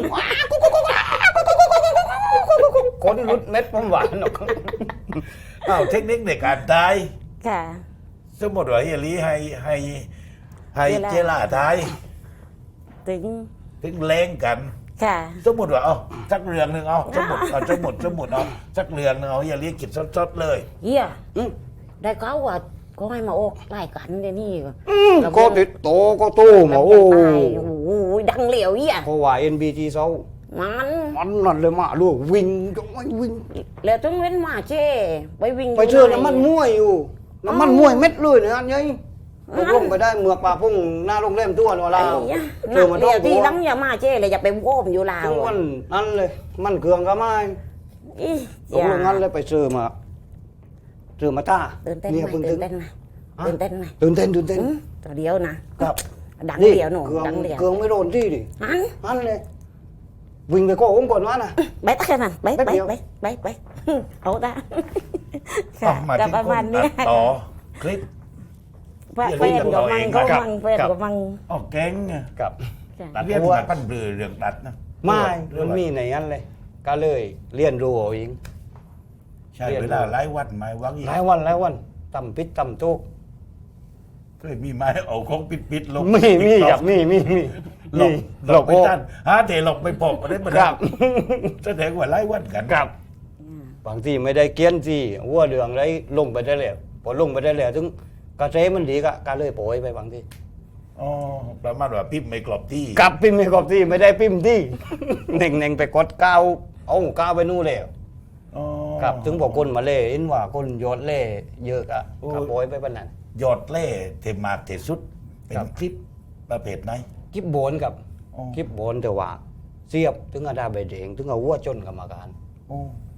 [SPEAKER 8] คนรุดเม็ดผมหวานนก
[SPEAKER 1] อ้าวเทคนิคในการตาย
[SPEAKER 9] ค่ะ
[SPEAKER 1] สมมติว่าเฮียลีให้เจล่าตาย
[SPEAKER 9] ถึง
[SPEAKER 1] ถึงแรงกัน
[SPEAKER 9] ค่ะ
[SPEAKER 1] สมมติว่าเอาสักเรื่องหนึ่งเอาสมมติเอาสักเรื่องหนึงเอาอย่าเรียกกิจสดๆเลย
[SPEAKER 9] เฮียได้เขาว่าก็ให้มาโอกไล่กันเดี๋ยวนี้
[SPEAKER 8] ก็ติดโตก็ตู้หมอโอ้
[SPEAKER 9] โอ้โหดังเหลียวเฮีย
[SPEAKER 8] เพราะว่า NBT เซา
[SPEAKER 9] มัน
[SPEAKER 8] มันนั่นเลยมาลูกวิ่งก็ไม่วิ่ง
[SPEAKER 9] แล้วต้องเว้นมาเจ้ไปวิ่ง
[SPEAKER 8] ไปเชื่อน้ำมันมวยอยู่น้ำมันมวยเม็ดเลยเนี่ยอันนี้ลงไปได้เมือกปลาพุ่งหน้าโรงแรมตัวเรา
[SPEAKER 9] ไอ้
[SPEAKER 8] แล้ว
[SPEAKER 9] ยะ
[SPEAKER 8] เชื่อมัน
[SPEAKER 9] เดี๋ยว
[SPEAKER 8] ตั
[SPEAKER 9] ที่
[SPEAKER 8] ว
[SPEAKER 9] ลังอย่ามาเจ้เลยอย่าไปโว้มอยู่ลาว
[SPEAKER 8] ถึงมันนั่นเลยมันเกลืองก็ไม่
[SPEAKER 9] อี
[SPEAKER 8] ลงงั้นเลยไปซื้อมาตา
[SPEAKER 9] ตื่นเต้น
[SPEAKER 8] เนี่ย
[SPEAKER 9] ไหม
[SPEAKER 8] เพิ่ง
[SPEAKER 9] ตื่นเต้นไหมตื่นเต้นไหม
[SPEAKER 8] ตื่นเต้นตื่นเต้น
[SPEAKER 9] ตัวเดียวนะครับ ดัง
[SPEAKER 8] นี่
[SPEAKER 9] เดียวหนู
[SPEAKER 8] เกลือง
[SPEAKER 9] ดังเดียว
[SPEAKER 8] เกลืองไม่โดนที่ดิ
[SPEAKER 9] อัน
[SPEAKER 8] นั่นเลยวิ่งไปโก้ผมก่อนวะน่ะ
[SPEAKER 9] ไปตั้งแต่นั้นไป
[SPEAKER 8] แป๊บเดียว
[SPEAKER 9] ไปเอาตา
[SPEAKER 1] เอามา
[SPEAKER 9] กับ
[SPEAKER 1] ที่
[SPEAKER 9] ประ
[SPEAKER 1] ค
[SPEAKER 9] มาณ
[SPEAKER 1] น
[SPEAKER 9] เนี้
[SPEAKER 1] ตั
[SPEAKER 9] ย
[SPEAKER 1] ดต่อคลิป
[SPEAKER 9] แฟนกับมังก็มังแฟนกับมัง
[SPEAKER 1] ออกแก๊งไง
[SPEAKER 8] กับ
[SPEAKER 1] ตัดเรียนมาปั้นเบลือเรื่องตัดนะ
[SPEAKER 8] ไม่
[SPEAKER 1] เรื่
[SPEAKER 8] มั
[SPEAKER 1] อน ง
[SPEAKER 8] มีในนั้นเลย ก็เลยเรียนรู้เอาเอง
[SPEAKER 1] ใช่เวลาไล่วัดไม้วังอีก
[SPEAKER 8] หลายวันต่ำปิดต่ำตุก
[SPEAKER 1] เคยมีไม้เอาของปิดลง
[SPEAKER 8] มีกับมี
[SPEAKER 1] หลบไปตั้นหาเทหลบไปปอบอะไรมา
[SPEAKER 8] ครับ
[SPEAKER 1] แสดงว่าไล่วัดกัน
[SPEAKER 8] กับบางทีไม่ได้เกี้ยนที่วัวเดืองได้ลงไปได้แล้วพอลงไปได้แล้วถึงกระเซมันดีก็เลยโปรยไปบางที
[SPEAKER 1] อ๋อประมาณว่าปิ๊บไม่กรอบที่
[SPEAKER 8] กลับพิมพ์ไม่กรอบที่ไม่ได้พิมพ์ที่ เน่งไปกดก้าวเอาก้าวไปนู่นแล้ว
[SPEAKER 1] อ๋อ
[SPEAKER 8] ครับถึงบอกคนมาเล่เห็นว่าคนยอดเล่เยอะอะก็โปรยไปปานนั้น
[SPEAKER 1] ยอดเล่เทมากเทสุด เป็น
[SPEAKER 8] ครับ
[SPEAKER 1] คลิปประเภทไหน
[SPEAKER 8] คลิปโบนกับ
[SPEAKER 1] อ๋อ
[SPEAKER 8] คลิปโบนแต่ว่าเสียบถึงอาดาใบแดงถึงเอาวัวจนกรรมการ
[SPEAKER 1] โอ้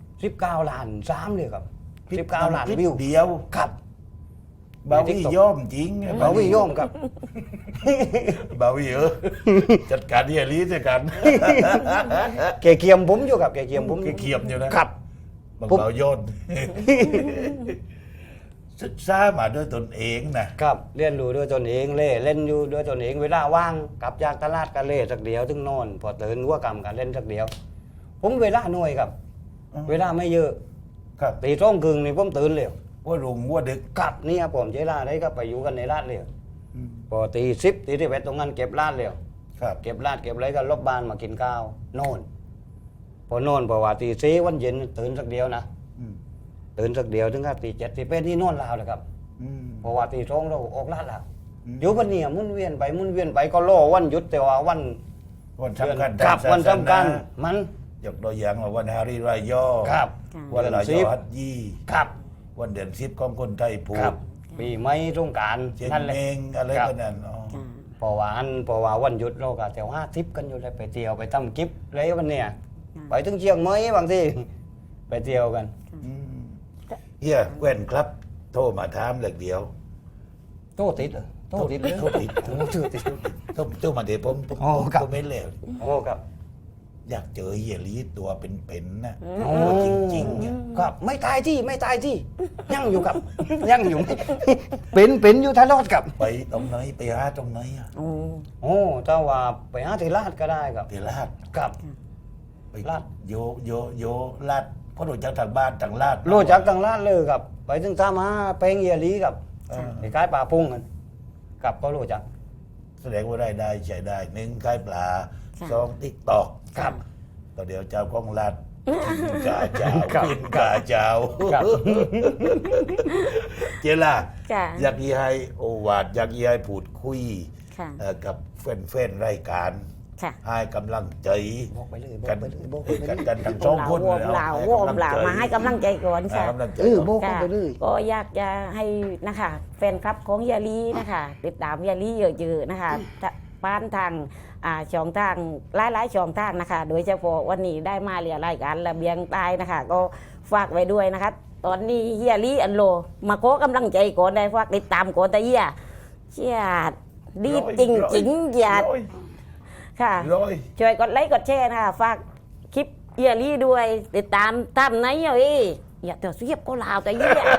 [SPEAKER 8] 19 ล้าน3เลยครับ19 ล้าน
[SPEAKER 1] คลิป
[SPEAKER 8] วิว
[SPEAKER 1] เดียว
[SPEAKER 8] ครับ
[SPEAKER 1] บาวี่ย่อมจริง
[SPEAKER 8] เราวิโยมครับ
[SPEAKER 1] บาวี่จัดการที่อลีด้วยกัน
[SPEAKER 8] แกเกียมผมอยู่ครับแกเกียมผม
[SPEAKER 1] แกเกียมอยู่นะครับ บาง
[SPEAKER 8] ผม
[SPEAKER 1] เบาโยน ศึกษามาด้วยตนเองนะครับ
[SPEAKER 8] เรียนรู้ด้วยตนเองเล่นอยู่ด้วยตนเองเวลาว่างกลับจากตลาดก็เล่สักเดียวถึงนอน พอตื่นหัวกำกันเล่นสักเดียว ผมเวลาหน่วยครับ เวลาไม่เยอะ
[SPEAKER 1] ครับ
[SPEAKER 8] ตี2 ครึ่งนี่ผมตื่นเร็ว
[SPEAKER 1] ว่ารุงว่าดึก
[SPEAKER 8] กลับเนี่ยผมเจลาได้ก็ไปอยู่กันในร้านเร็วพอตี10ตี11ตรงนั้นเก็บร้านเร็ว
[SPEAKER 1] ครับ
[SPEAKER 8] เก็บร้านเก็บอะไรก็ลบบ้านมากินข้าวนอนพอนอนเพราะว่าตี4วันเย็นตื่นสักเดียวนะ
[SPEAKER 1] อืม
[SPEAKER 8] ตื่นสักเดียวถึงก็ตี7ตี8ที่นอนลาวเลยครับ
[SPEAKER 1] อืม
[SPEAKER 8] เพราะว่าตี2เราออกลาดแล้ว
[SPEAKER 1] อืม
[SPEAKER 8] อยู่วันนี้หมุนเวียนไปก็รอวันหยุดแต่ว่าวัน
[SPEAKER 1] วันสำคัญ
[SPEAKER 8] ครับ
[SPEAKER 1] ทางศาสนา
[SPEAKER 8] วันสำคัญมัน
[SPEAKER 1] ยกตัวอย่างว่าวันฮาริรายย่อ
[SPEAKER 8] ครับ
[SPEAKER 1] วันลาย
[SPEAKER 8] เดือน
[SPEAKER 1] ย่
[SPEAKER 8] 10
[SPEAKER 1] อฮัจญี
[SPEAKER 8] ครับ
[SPEAKER 1] วันเดือน10ของคนไทยพู
[SPEAKER 8] ครั
[SPEAKER 1] ด
[SPEAKER 8] บปีใหม่สงกราร
[SPEAKER 1] เชียง
[SPEAKER 8] นั่นแหละ
[SPEAKER 1] เมงอะไร
[SPEAKER 8] ครับ
[SPEAKER 1] กันนั่นอ๋อ
[SPEAKER 8] เพราะว่าวันหยุดเราก็แถว50กันอยู่เลยไปเที่ยวไปทำกิฟอะไรวันเนี้ยไปถึงเชียงใหม่บางทีไปเที่ยวกัน
[SPEAKER 1] อืมเฮียแว่นครับ โทรมาถามเหล็กเดียว
[SPEAKER 8] โตติดเหรอโตติดเลย
[SPEAKER 1] โทรติด
[SPEAKER 8] โอ้ชื่อติด
[SPEAKER 1] โทรมาเดี๋ยวผม
[SPEAKER 8] อ๋อครับ
[SPEAKER 1] ไม่เร็ว
[SPEAKER 8] โอ้ครับ
[SPEAKER 1] อยากเจอเฮียลีตัวเป็นๆนะ
[SPEAKER 8] โอ้
[SPEAKER 1] จริงๆเนี่ย
[SPEAKER 8] ครับไม่ตายที่ยังอยู่ครับ ยังอยู่ เป็นอยู่ทะเลาะกับ
[SPEAKER 1] ไปตรงไหนไปหาตรงไหนอะ
[SPEAKER 8] โอ้ถ้าว่าไปหาที่ลาดก็ได้ครับ
[SPEAKER 1] เทลาด
[SPEAKER 8] ครับ
[SPEAKER 1] ไป
[SPEAKER 8] ลาด
[SPEAKER 1] โยลาดเพราะรู้จักทางบ้านทางลาด
[SPEAKER 8] รู้จักทางลาดเลยครับ ไปถึงตามหาแปลงเยียลีครับ
[SPEAKER 1] เออ
[SPEAKER 8] ไอ้กายป่าพุ่งกันกับก็รู้จัก
[SPEAKER 1] แสดงว่าได้ใช้ได้หนึ่งขายปลา
[SPEAKER 9] ค่ะ
[SPEAKER 1] สองติ๊กตอก
[SPEAKER 8] ครับ
[SPEAKER 1] ก็เดี๋ยวเจ้าของลาดกินกาเจ้า
[SPEAKER 8] ครับ
[SPEAKER 1] กินกาเจ้า
[SPEAKER 8] ครับ
[SPEAKER 1] เจล่า
[SPEAKER 9] จ้ะ
[SPEAKER 1] อยากยีให้โอวาดอยากยีให้พูดคุย
[SPEAKER 9] ค่ะค่ะ
[SPEAKER 1] กับแฟนๆรายการ
[SPEAKER 9] ค่ะ
[SPEAKER 1] ให้กำลังใจ
[SPEAKER 8] บอกไปเลยบอ
[SPEAKER 1] กั
[SPEAKER 8] ก
[SPEAKER 1] น
[SPEAKER 8] ไปเลยบอกไป
[SPEAKER 1] คุย
[SPEAKER 8] เล
[SPEAKER 1] กัน
[SPEAKER 8] ย
[SPEAKER 1] กันทั้งสองคน
[SPEAKER 9] วอมลาววอมลาวมาให้กำลังใจก่อน
[SPEAKER 1] ให้
[SPEAKER 9] ค่ะ
[SPEAKER 1] กำลังใจ
[SPEAKER 8] บอก
[SPEAKER 9] ค่ะ
[SPEAKER 8] ไปเลย
[SPEAKER 9] ก็อยากจะให้นะคะแฟนคลับของยาลีนะคะติดตามยาลีเยอะๆนะคะบ้านทางช่องทางหลายๆช่องทางนะคะ โดยเฉพาะวันนี้ได้มาเรียรายการระเบียงใต้นะคะ ก็ฝากไว้ด้วยนะคะ ตอนนี้เฮียลีอันโลมาขอกำลังใจก่อนได้ฝากติดตามก่อนแต่เฮียเชียดดีจริงๆอย่าค่ะ
[SPEAKER 1] ร้อย
[SPEAKER 9] ช่วยกดไลค์กดแชร์นะคะฝากคลิปเฮียลี่ด้วยติดตามตามไหนเอ้ยอย่าเดี๋ยวเสียบก็ลาวแต่เยี่ย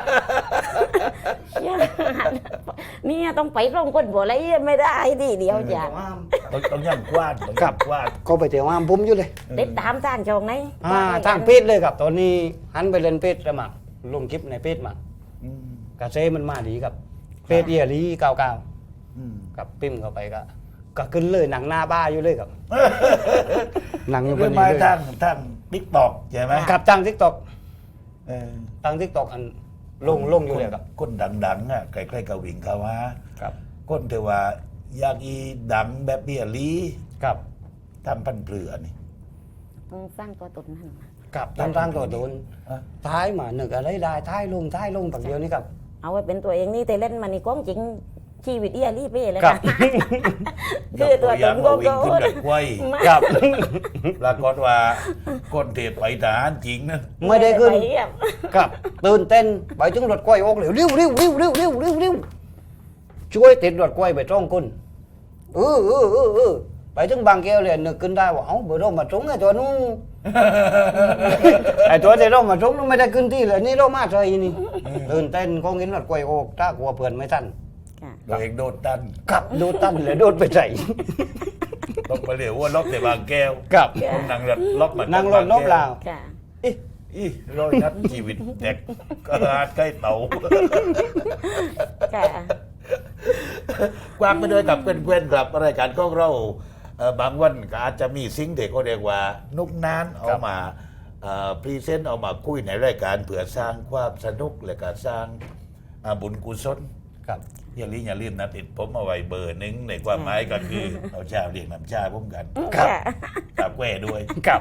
[SPEAKER 9] เนี่ยต้องไปร่องคนบัวไรไม่ได้ทีเดียวจ้ะ
[SPEAKER 1] ต้องย่ำกว้านต้องย่ำกว้าน
[SPEAKER 8] ก็ไปเที่ยวห้ามผมอยู่เลย
[SPEAKER 9] ติดตามทางช่องไหน
[SPEAKER 8] ทางเพจเลยครับตอนนี้หันไปเล่นเพจแล้วมาลงคลิปในเพจมา
[SPEAKER 1] อืม
[SPEAKER 8] กระเซมันมาดีครับเพจเอียรีเก้าเก้า
[SPEAKER 1] อืม
[SPEAKER 8] กับปิ้มเข้าไปก็ขึ้นเลยหนังหน้าบ้าอยู่เลยครับ หนังอยู่บ
[SPEAKER 1] เรื่อน ง
[SPEAKER 8] นี้
[SPEAKER 1] มา
[SPEAKER 8] เลย
[SPEAKER 1] ทางติ๊กตอกใช่ไหม
[SPEAKER 8] ครับทางทิกตอก
[SPEAKER 1] เออ
[SPEAKER 8] ทางทิกตอกอันลงอยู่เลยครับ
[SPEAKER 1] คนดังๆอ่ะใกล้ๆกับวิ่งเขาว่า
[SPEAKER 8] ครับ
[SPEAKER 1] คนเทว่าอยากอีดังแบบเบียลี
[SPEAKER 8] ครับ
[SPEAKER 1] ทำพันเปลือนี่
[SPEAKER 9] ต้องสร้างตัวตนนั่นมา
[SPEAKER 8] กับทางตัวโดน
[SPEAKER 1] อ่ะ
[SPEAKER 8] ท้ายมาหนึ่งอะไรได้ท้ายลงฝั่งเดียวนี่ครับ
[SPEAKER 9] เอาไว้เป็นตัวเองนี่แต่เล่นมานี่ก้องจริงชีวิตเอียลี่เป้เลย
[SPEAKER 8] ครั
[SPEAKER 9] ค่ะ
[SPEAKER 8] บ
[SPEAKER 9] คือตัวตนก็
[SPEAKER 1] วิ่งขึ้นดักไว้
[SPEAKER 8] ครับ
[SPEAKER 1] ปรากฏว่าคนเทไปทหารจริงนะ
[SPEAKER 8] ไม่ได้ขึ้น
[SPEAKER 9] ปเยี่ยม
[SPEAKER 8] ครับตื่นเต้นไปถึงรถกล้วยออกเร็วเร็วช่วยติดรถกล้วยไปตรงคนไปถึงบางแก้วเลยนึกขึ้นได้ว่าเอ้าเบอร์เรามาตรงไอ้ตัวนู้น ไอ้ตัวที่เรามาตรงนู้นไม่ได้ขึ้นที่เลยนี่เรามาใส่นี่ตื่นเต้นคงเห็นรถกล้วยออกถ้ากลัวเพื่อนไม่ทัน
[SPEAKER 9] ค่ะ
[SPEAKER 1] ตัวเองโดนตัน
[SPEAKER 8] ครับโดนตั้นเลยโดนไปใส่
[SPEAKER 1] ต้องไปเรียกว่าล็อกแต่บางแก้ว
[SPEAKER 8] ครับ
[SPEAKER 1] ต้องนั่งรถล็อกมา
[SPEAKER 8] นั่งรถลบลาว
[SPEAKER 9] ค่ะ
[SPEAKER 1] อีร้อยนัดชีวิตเด็กก็อาจใกล้เต่า
[SPEAKER 9] ค่ะ
[SPEAKER 1] กว้างไปด้วยกับเพื่อนๆครับรายการของเราบางวันก็อาจจะมีสิ่งที่เขาเรียกว่า นุกนานเอามาพรีเซนต์เอามาคุยในรายการเพื่อสร้างความสนุกและก็สร้างบุญกุศล
[SPEAKER 8] ครับ
[SPEAKER 1] อย่าลืมนะติดผมเอาไว้เบอร์หนึ่งในความหมายก็คือ เอาชาเรียกน้ำชาพุ่มกัน
[SPEAKER 8] ครับ
[SPEAKER 1] กับแก้ด้วย
[SPEAKER 8] ครับ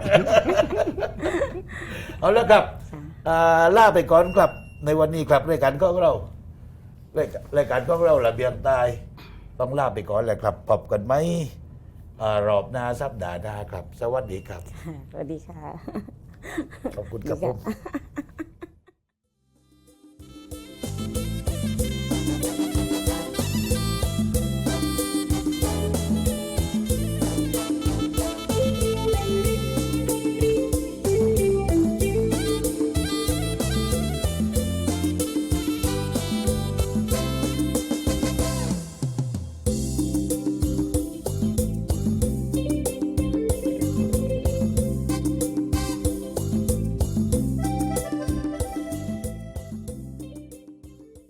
[SPEAKER 1] เอาแล้วครับล่าไปก่อนครับ ในวันนี้ครับรายการของเรารายการของเราระเบียงใต้ต้องล่าไปก่อนแหละครับพบกันไหมรอบหน้าสัปดาห์หน้าครับ สวัสดีครับ
[SPEAKER 9] สวัสดีค่ะ
[SPEAKER 1] ขอบคุณครับผม